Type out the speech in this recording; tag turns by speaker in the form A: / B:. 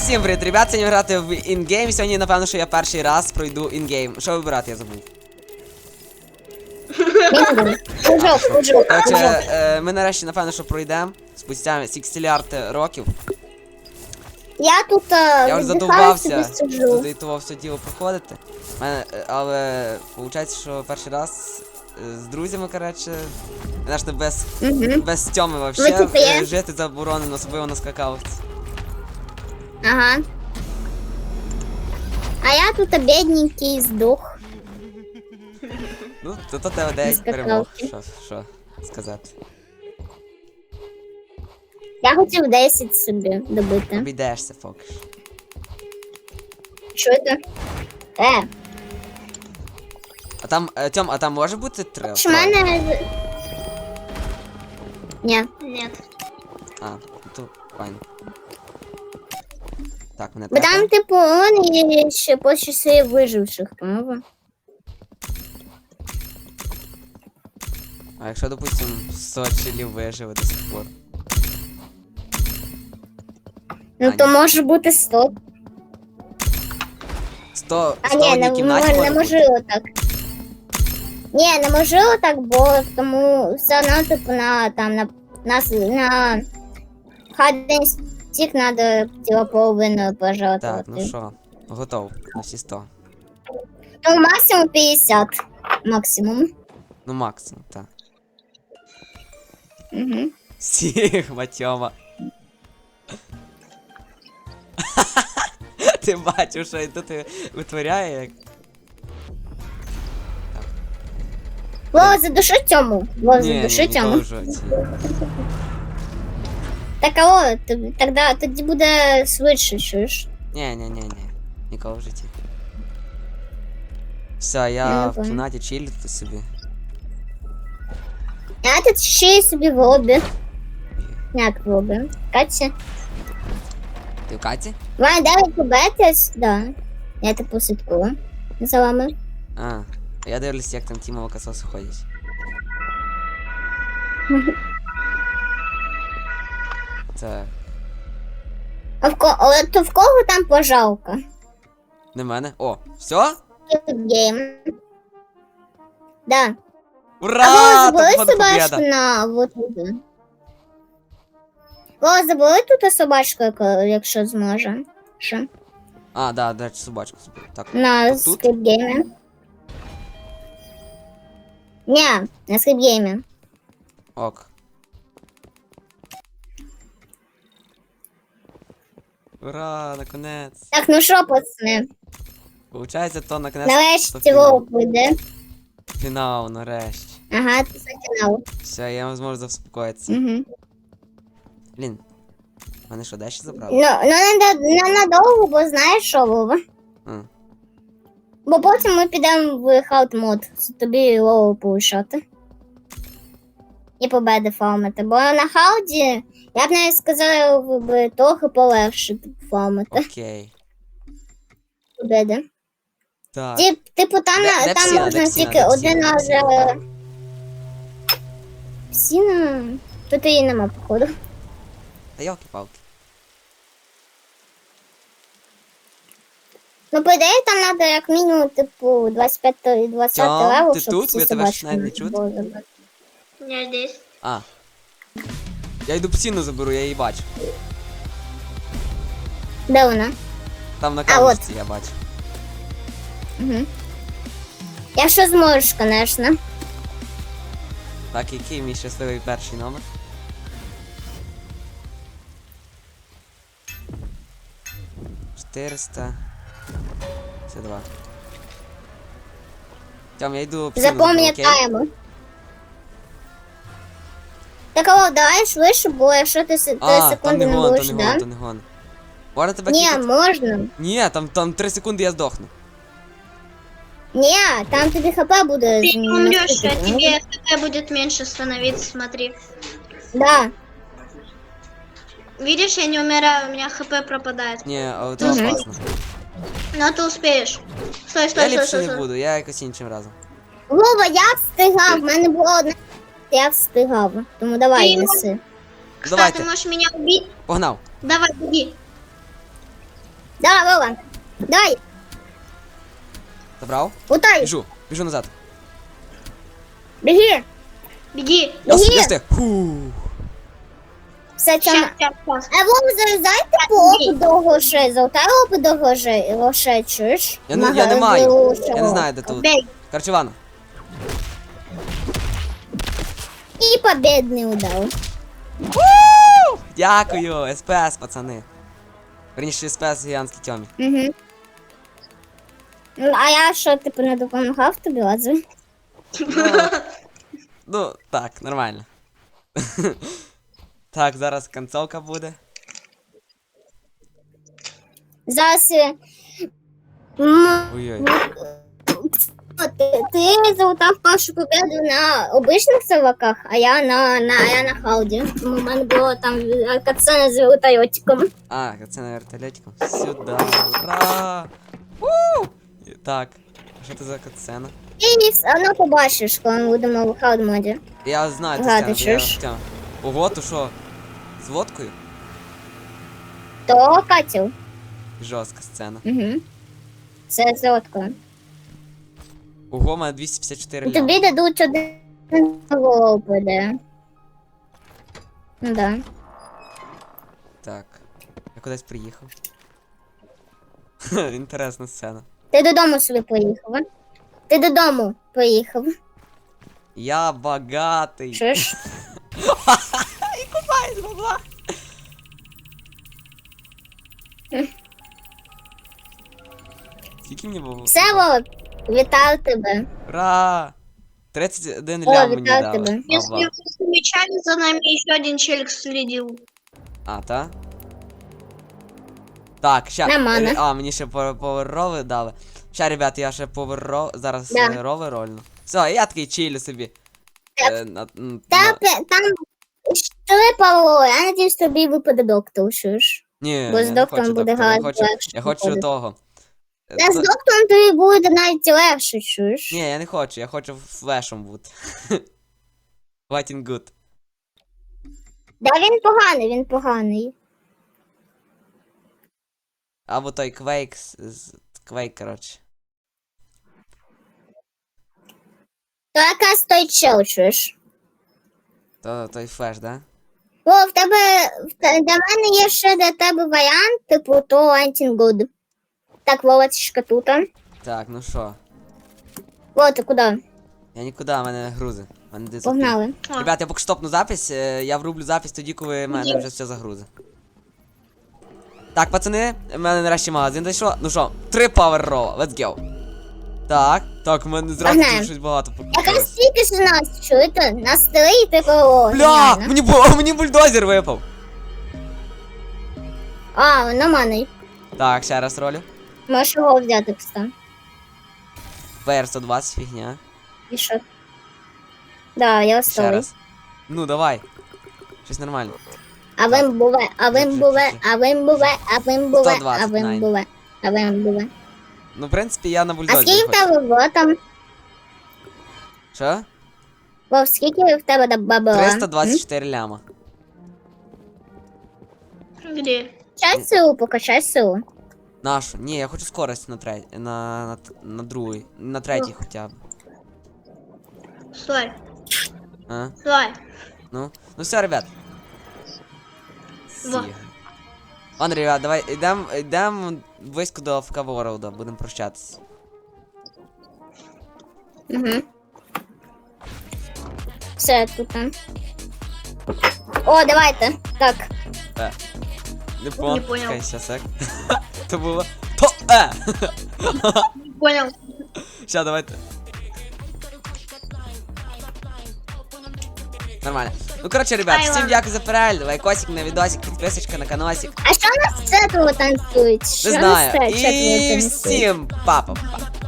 A: Всім привіт, ребят, сьогодні грати в інгейм. Сьогодні, напевно, що я перший раз пройду інгейм. Що вибирати, я забув. Короче, ми нарешті, напевно, що пройдемо. Спустя 60 років.
B: Я тут
A: Я вже задовбався туди того все діло проходити. Але виходить, що перший раз з друзями, коротше, знаєте, без Тьоми вообще жити заборонено, особливо на скакалці.
B: Ага. А я тут бедненький здох.
A: Ну, то тебе 9 перемог, що сказати.
B: Я хотів 10 собі добити.
A: Обійдешся, Фокш.
B: Що це?
A: А там, Тьом, а там може бути 3?
B: Що мене... Ні.
C: Нет.
A: А, то файн. Так, мене
B: Бо там,
A: тепер.
B: типу, он є ще по часи виживших, по-моєму.
A: А якщо, допустим, 100 чилів виживе до сих пор?
B: Ну, то може бути 100.
A: 100
B: А
A: в
B: ні,
A: одній кімнаті
B: не
A: може
B: можу
A: бути?
B: отак. Ні, не можу отак, бо тому все одно, типу, на хаддень стік треба тіло половину пожертвувати.
A: Так, ну що, готов на всі 100.
B: Ну, максимум 50. Максимум.
A: Ну, максимум, так.
B: Угу.
A: Сігма, Тьома. Ти бачив, що тут витворяє як.
B: Вова, задуши Тьому. Вова,
A: Ні,
B: задуши Тьому.
A: ніколи в житті.
B: Так, алло, тоді буде швидше, чуєш?
A: Ні, ніколи в житті. Все, я
B: Ну,
A: в кімнаті чилю тут собі.
B: Я тут ще й собі в лобі. Як в лобі? Катя?
A: Ти в Каті?
B: Ваня, давай побетись? Да. Я типу слідкую за вами.
A: А, я дивлюсь, як там ті молокососи ходять. Так.
B: То в кого там пожалка?
A: Не мене. О, все?
B: Гейм. Да.
A: Ура!
B: А Вова,
A: Там,
B: забери
A: походу,
B: собачку
A: побєда.
B: на вот туди. Вова, забери тут собачку, якщо зможе. Що?
A: А, да, до речі, собачку собі. Так.
B: На
A: Тут?
B: скрипгеймі. Ні, на скрипгеймі.
A: Ок. Ура, наконець.
B: Так, ну що, пацани?
A: Получається, то наконець.
B: Нарешті Вова прийде.
A: Фінал, нарешті.
B: Ага, це фінал.
A: Все, я зможу заспокоїтися.
B: Угу.
A: Блін. Мене що, дещо забрали?
B: Ну не надовго, бо знаєш що, Вова?
A: А.
B: Бо потім ми підемо в хаут мод, тобі Вову повишати. І победи фармити. Бо на хауді, я б навіть сказала, би трохи полегше фармити.
A: Окей.
B: Победи.
A: Так.
B: Типу там,
A: Де
B: там
A: псіна,
B: можна
A: де псіна,
B: тільки
A: де
B: один
A: псіна,
B: раз.
A: де псіна?
B: Псіна? Тут її нема, походу.
A: Та йолки-палки.
B: Ну, по ідеї, там треба як мінімум, типу, 25 і 20
A: Тьом,
B: левел,
A: ти
B: щоб
A: тут?
B: всі
A: Я тебе
B: собачки
A: навіть не чути.
B: було забрати.
C: Я здесь.
A: А. Я йду псину заберу, я її бачу.
B: Де вона?
A: Там на
B: А,
A: камушці я бачу.
B: Угу. Якщо зможеш, звісно.
A: Так, який мій щасливий перший номер? «400... Це 2. Тьом, я йду псину заберу, окей?
B: Запам'ятаємо. Так, алло, давай швидше, бо якщо ти
A: А,
B: секунди
A: там не
B: не
A: гон,
B: будеш,
A: то не
B: да?
A: гон, то не гон. Можна тебе
B: Ні,
A: кікати?
B: можна.
A: Ні, там 3 секунди я здохну.
B: Ні, там тобі хп буде.
C: Ты не умрешь, а
B: наступити.
C: тебе хп будет меньше становиться, смотри.
B: Да.
C: Видишь, я не умираю, у меня хп пропадает.
A: Ні, але це
B: Мгм.
A: опасно.
C: Но ты успеешь. Стой,
A: Я
C: стой, стой,
A: ліпше
C: стой,
A: не
C: стой.
A: буду, я якось іншим разом.
B: Вова, я встигав, в мене було одне. Я встигав. Тому давай,
C: Ти
B: неси.
C: Кстати,
A: Давайте.
C: можешь меня убить?
A: Погнав.
C: Давай, беги.
B: Да, Вова. Дай,
A: Забрав?
B: лутай.
A: Біжу назад.
B: Беги.
C: Беги.
A: Я
B: Ні.
A: встиг. Фу.
B: Все,
C: Щас,
B: Тьома.
C: щас, щас.
B: А Вова, залізайте по опу до грошей. Золотай опу до грошей, чуєш?
A: Я не маю. Я не
B: Чого?
A: знаю, де тут.
C: Бей.
A: Короче, Івана.
B: І победний удар.
A: Дякую, СПС, пацани. Верніше, СПС гігантський Тьомі.
B: Угу. А я що, типу, не допомагав тобі, Лазу?
A: Ну, так, нормально. Так, зараз концовка буде.
B: Зараз...
A: Ой-ой.
B: Ти залутав першу победу на обичних серваках, а я на хауді. Тому в мене було там катсцена з вертольотиком.
A: А, це на вертольотиком. Сюда, ура! У! Так, що це за катсцена?
B: І все одно побачиш, коли ми будемо в хауд моді.
A: Я знаю цю
B: Грати,
A: сцену, я
B: чуєш?
A: Тьома. Ого, то що? З водкою?
B: То катів.
A: Жорстка сцена.
B: Угу. Це золотко.
A: Ого, у мене 254 ляма.
B: Тобі дадуть один голову буде. Ну да.
A: Так. Я кудись приїхав. Інтересна сцена.
B: Ти додому собі поїхав, а? Ти додому поїхав.
A: Я багатий.
B: Чуєш?
A: І купаюсь, бабла. Скільки мені було?
B: Все, Вова, вітаю тебе.
A: Ура! 31
B: О,
A: лям мені
B: вітаю
A: дали.
B: тебе.
C: Если
A: Бабла.
C: вы замечали, за нами еще один челик следил.
A: А, та? Так, ща.
B: Нормально.
A: А, мені ще поверрови дали. Ща, ребят, я ще поверро... Зараз
B: Да.
A: рови рольну. Все, я такий чилю собі.
B: Там що, Павло, я надіюсь, тобі випаде доктор, чуєш?
A: Ні,
B: бо з
A: я не
B: доктором
A: хочу
B: буде
A: доктора, я
B: гораздо
A: хочу,
B: легше
A: я хочу
B: виходити.
A: того.
B: Та з доктором тобі буде навіть легше, чуєш?
A: Ні, я не хочу, я хочу флешом бути. Fighting good.
B: Да, він поганий.
A: Або той Quake, Quake, коротше.
B: То якраз той чел, чуєш?
A: Той флеш, да?
B: О, для мене є ще для тебе варіант, типу, то Антінгуд. Так, Вовочка тут.
A: Так, ну що?
B: О, ти куди?
A: Я нікуди, в мене грузи. В мене диск.
B: Погнали.
A: Ребят, я поки стопну запись, я врублю запись тоді, коли в мене вже все загрузи. Так, пацани, в мене нарешті магазин зайшло. Ну що, 3 power roll, let's go. Так, в мене зразу
B: Погнали.
A: тут щось багато
B: Якраз
A: покупилось.
B: стільки ж нас, чуєте? Нас 3 і типу, о,
A: Бля,
B: геніально.
A: мені бульдозер випав.
B: А, нормальний.
A: Так, ще раз ролю.
B: Можеш його взяти, кстати.
A: VR 120, фігня.
B: І що? Да, я
A: Ще
B: осталий.
A: раз. Ну, давай. Щось нормально.
B: А вим буве, а вим буве, а вим буве, а вим буве,
A: 120,
B: а вим
A: найн.
B: буве, а вим буве.
A: Ну, в принципі, я на
B: А
A: бульдозері
B: скільки в
A: хочу.
B: тебе було там?
A: Що?
B: Вов, скільки в тебе бабла?
A: 324 ляма.
C: Где?
B: Качай силу, покачай силу.
A: Нашу? Ні, я хочу скорость на другий. На третій хоча б.
C: Стой.
A: А?
C: Стой.
A: Ну все, ребят.
C: Во.
A: Всі. Ладно, ребят, давай йдем близько до АФК Ворлда, будемо прощатися.
B: Угу. Все, тут там. О, давайте. Так.
A: Не
C: понял.
A: Чекай, щас, сек. То було.
C: Не понял.
A: Ща, давайте. Нормально. Ну, коротше, ребят,
C: Ай,
A: всім
C: ладно.
A: дякую за перегляд. Лайкосик на відосик, підписочка на каналсик.
B: А що у нас з цього танцюють? Що
A: Не
B: у нас
A: знаю.
B: з цього
A: І
B: танцюють?
A: всім па-па-па.